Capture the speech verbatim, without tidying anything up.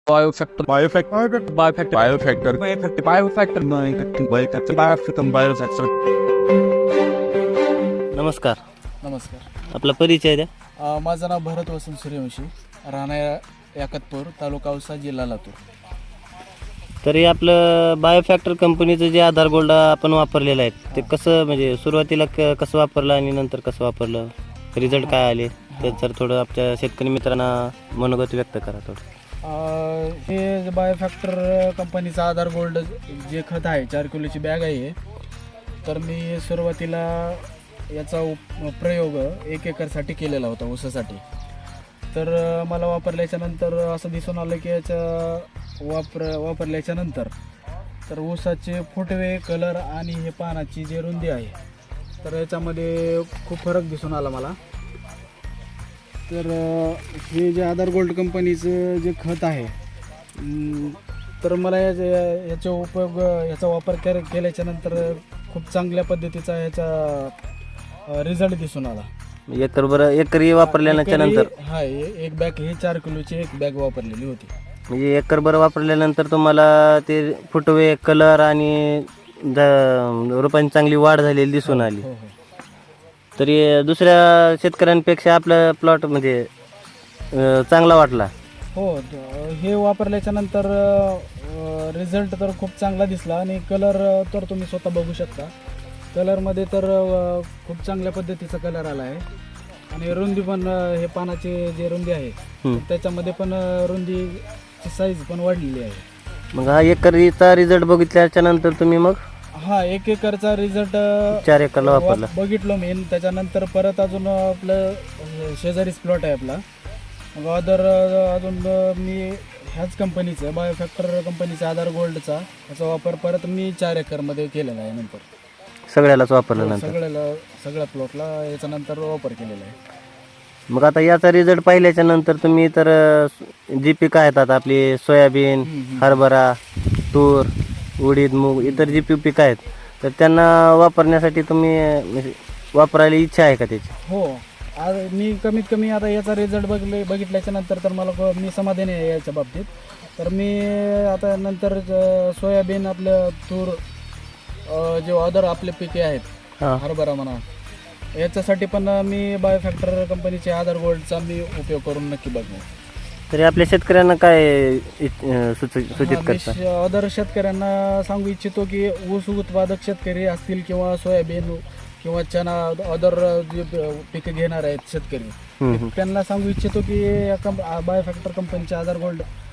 बायोफॅक्टर बायोफॅक्टर बायोफॅक्टर बायोफॅक्टर बायोफॅक्टर बायोफॅक्टर बायोफॅक्टर बायोफॅक्टर बायोफॅक्टर नमस्कार. नमस्कार. आपला परिचय द्या. अ, माझं नाव भरत वसंत सूर्यवंशी, राहणार याकतपूर, तालुका औसा, जिल्हा लातूर. तरी आपलं बायोफॅक्टर कंपनीचं जे आधार गोल्ड आपण वापरलेलं आहे ते कसं म्हणजे सुरुवातीला क कसं वापरलं आणि नंतर कसं वापरलं, रिझल्ट काय आले ते जर थोडं आपल्या शेतकरी मित्रांना मनोगत व्यक्त करा थोडं. अ, हे जे बायोफॅक्टर कंपनीचा आधार गोल्ड जे खत आहे, चार किलोची बॅग आहे, तर मी सुरुवातीला याचा उप प्रयोग एक एकरसाठी केलेला होता ऊसासाठी. तर अ, मला वापरल्याच्या नंतर असं दिसून आलं की याच्या वापर वापरल्याच्या नंतर तर ऊसाचे फुटवे, कलर आणि हे पानाची जी रुंदी आहे तर याच्यामध्ये खूप फरक दिसून आला मला. तर अ, हे जे आधार गोल्ड कंपनीचं जे खत आहे अं, तर मला याचे याचा उपयोग याचा वापर कर केल्याच्या नंतर खूप चांगल्या पद्धतीचा याचा रिझल्ट दिसून आला. एकर बरं एकरी वापरल्यानंतर नंतर हा एक बॅग ही चार किलोची एक बॅग वापरलेली होती. म्हणजे एकर बरं वापरल्यानंतर तुम्हाला ते फुटवे, कलर आणि द- रोपांची चांगली वाढ झालेली दिसून आली. हो हो तरी दुसऱ्या शेतकऱ्यांपेक्षा आपला प्लॉट म्हणजे अं, चांगला वाटला. हो द- हे वापरल्याच्या नंतर रिझल्ट तर खूप चांगला दिसला आणि कलर तर तुम्ही स्वतः बघू शकता. कलरमध्ये तर अ, खूप चांगल्या पद्धतीचा कलर आला आहे आणि रुंदी पण अ, हे पानाची जी रुंदी आहे हम्म. त्याच्यामध्ये पण अ, रुंदीची साईज पण वाढलेली आहे. मग हा एकरीचा रिझल्ट बघितल्याच्या नंतर तुम्ही मग हा एक एकरचा रिझल्ट चार एकरला वापरला. बघितलो मी. त्याच्यानंतर परत अजून आपलं अ, शेजारीच प्लॉट आहे आपला. मग अदर अजून अ, मी ह्याच कंपनीचं बायोफॅक्टर कंपनीचा आधार गोल्डचा याचा वापर परत मी चार एकरमध्ये केलेला आहे. नंतर सगळ्यालाच वापरलं नंतर. सगळ्याला सगळ्या प्लॉटला याच्या नंतर वापर केलेला आहे. मग आता याचा रिझल्ट पाहिल्याच्या नंतर तुम्ही तर अं, जी पिकं आहेत आता आपली सोयाबीन, हरभरा, तूर, उडीद, मूग इतर जी पी पिकं आहेत तर त्यांना वापरण्यासाठी तुम्ही अं, म्हणजे वापरायला इच्छा आहे का त्याची? हो आज मी कमीत कमी आता याचा रिझल्ट बघले बघितल्याच्या नंतर तर मला ख- मी समाधानी आहे याच्या बाबतीत. तर मी आता नंतर अ, सोयाबीन, आपलं तूर, अ, जे अदर आपले पिके आहेत, हां. हरभरा म्हणा, याच्यासाठी पण मी बायोफॅक्टर कंपनीचे आधार गोल्डचा मी उपयोग करून नक्की बघणार. तरी आपल्या शेतकऱ्यांना काय इच- अं, सुच- सूचित करता? अदर शेतकऱ्यांना सांगू इच्छितो की ऊस उत्पादक शेतकरी असतील किंवा सोयाबीन किंवा चना, अदर जे पिकं घेणार आहेत शेतकरी, हम्म, हम्म. त्यांना सांगू इच्छितो की या कंप बायोफॅक्टर कंपनीचे आधार गोल्ड